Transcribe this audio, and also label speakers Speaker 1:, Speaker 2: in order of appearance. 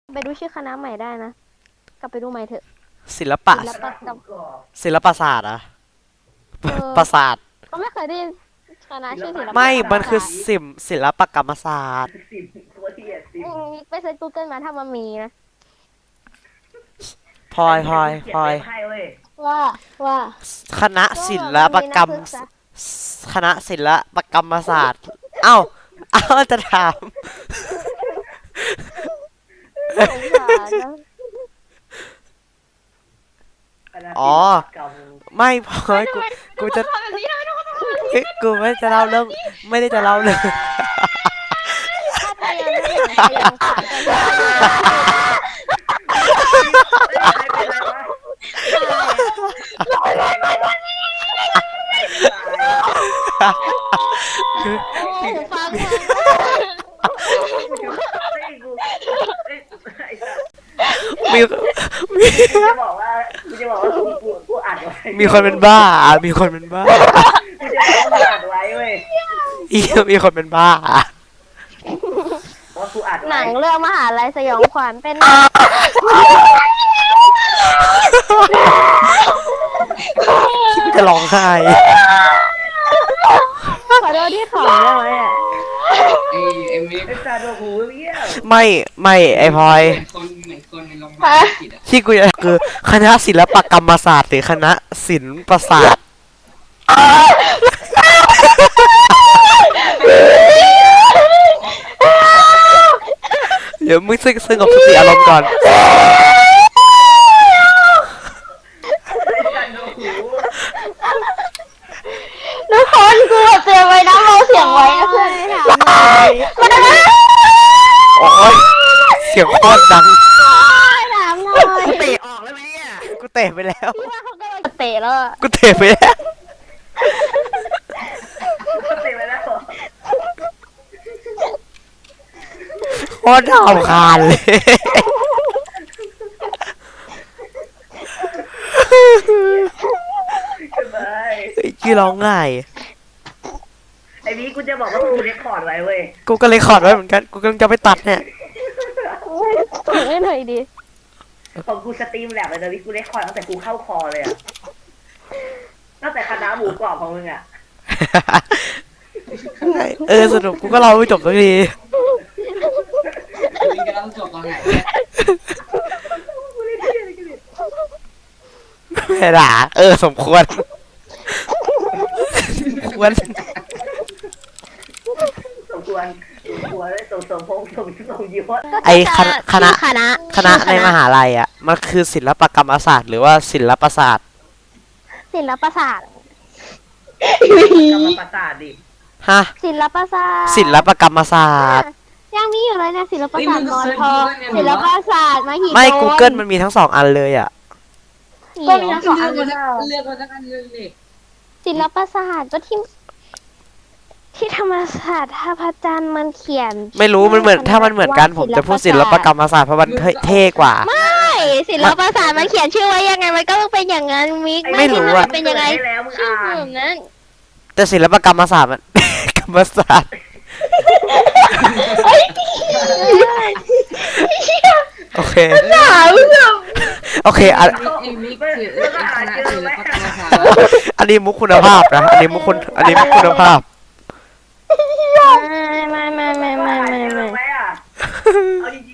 Speaker 1: ไปดูชื่อคณะใหม่ได้นะกลับไปดูใหม่เถอะ
Speaker 2: ศิลปะ
Speaker 1: ศิลปกรรม
Speaker 2: ศิลปศาสตร์อะ
Speaker 1: เออ
Speaker 2: ประสาท
Speaker 1: ก็ไม่เคยได้ยินคณะชื่อศิลป
Speaker 2: ไม่
Speaker 1: กรร
Speaker 2: มันคือ
Speaker 1: ศาสตร์
Speaker 2: ศิลปกรรมศาสตร์
Speaker 3: สิบตัวที่สิบ
Speaker 1: ไปเซิร์ช Google มาถ้ามันมีนะ
Speaker 2: พลอยพลอยพลอย
Speaker 3: ให้เว้ย
Speaker 1: ว่า
Speaker 2: คณะศิลปกรรม คณะศิลปกรรมศาสตร์ เอ้าจะถาม
Speaker 1: สงสารนะ
Speaker 2: อ๋อ ไม่พลอยกูจะเฮ้ยกูไม่จะเล่าเรื่องไม่ได้จะเล่าเรื่อง
Speaker 1: ถ้าไปยังไม่อยากไปยังขาดกันฟัง
Speaker 2: มีมี
Speaker 3: จะบอกว่ากูอัดไว้
Speaker 2: มีคนเป็นบ้า มีคนเป็นบ้า
Speaker 3: กูจะบอกว่ากูอัดไว้เว้ย
Speaker 2: มีคนเป็นบ้า
Speaker 3: ว่ากูอัด
Speaker 1: หนังเรื่องมหาลัยสยองขวัญเป็น
Speaker 2: จะร้องไห้
Speaker 1: ขอโทษที่ขำได้ไหมอ่ะ
Speaker 4: ไอ้มิก
Speaker 3: ไอ้ซาโดหูเบี้ยว
Speaker 2: ไม่ไอพลอย
Speaker 4: เหมือนคนในโรงพยาบาลอังกฤษอะ
Speaker 2: ที่กูอยากคือคณะศิลปกรรมศาสตร์หรือคณะศิลปศาสตร์เดี๋ยวมึงซึ่งกับสติอารมณ์ก่อน
Speaker 3: ไอ้ซาโดหู
Speaker 1: ทุกคนกูเตรียมไว้นะเราเสียงไว้นะเพื่อนถามหน่อย
Speaker 2: โอ้ยเสียงโคตรดัง
Speaker 1: ถามหน่อย
Speaker 2: เตะออกแล้วไหมเนี่ยกูเตะไปแล้ว
Speaker 1: พี่ว่าเขากำลังจะเตะแล้วอะ
Speaker 2: กูเตะไปแล้ว
Speaker 3: ก็เต็มไปแล้ว
Speaker 2: โคตรน่ารำคาญเลย
Speaker 3: สบาย
Speaker 2: กี่ร้องไห้
Speaker 3: ไอ้นี้กูจะบอกว่ากูเรคคอร์ดไว้เว้ย
Speaker 2: กูก็เลยขอดไว้เหมือนกัน กูกำลังจะไปตัดเนี่ย
Speaker 1: ถึงให้หน่อยดิ
Speaker 3: ของกูสตรีมแลบเลยนะวิกูเรคคอร์ดตั้งแต่กูเข้าคอเลยอะตั้งแต่คณะหมูกรอบของมึงอะ
Speaker 2: สรุปกูก็เล่าไม่จบสักที
Speaker 4: มิกจะต้องจบตอนไหน
Speaker 2: ไม่ด่าสมควรควร
Speaker 3: สมควรสมพงษ์สมยศ
Speaker 2: ไอคณะ
Speaker 1: คณะ
Speaker 2: ในมหาลัยอ่ะ มันคือศิลปกรรมศาสตร์หรือว่าศิลปศาสตร์
Speaker 1: ศิลปศาสตร์
Speaker 3: กรรมประสาทดิ
Speaker 2: ฮะ
Speaker 1: ศิลปศาสตร์
Speaker 2: ศิลปกรรมศาสตร์
Speaker 1: ยังมีอยู่เลยเนี่ยศิลปศาสตร์มอทอศิลปศาสตร์มหิดล
Speaker 2: ไม่ Google มันมีทั้ง2 อันเลยอ่ะ
Speaker 1: ก็มีทั้งสองอัน
Speaker 4: เลือกมาสักอันหนึงดิ
Speaker 1: ศิลปศาสตร์ก็ที่ธรรมศาสตร์ท่าพระจันทร์มันเขียน
Speaker 2: ไม่รู้มันเหมือนถ้ามันเหมือนกันผมจะพูดศิลปกรรมศาสตร์เพราะมันเท่กว่า
Speaker 1: ไม่ศิลปศาสตร์มันเขียนชื่อไว้ยังไงมันก็ต้องเป็นอย่างนั้นมิก
Speaker 2: ไม่รู้อะ
Speaker 1: เป็นยังไง
Speaker 3: ด้แล้วมึง
Speaker 1: ชื่อ
Speaker 3: อ่าน
Speaker 1: แบบนั้น
Speaker 2: แต่ศิลปกรรมศาสตร์มัน กรรมศาสตร์โอเคโอเคอัน
Speaker 4: ไอ้มิกคือไอ้คณะศิลปกรรมศาสตร์
Speaker 2: อันนี้มุกคุณภาพนะอันนี้มุกคุณภาพ
Speaker 1: ไม่
Speaker 3: ไม่อ่ะเอาจริง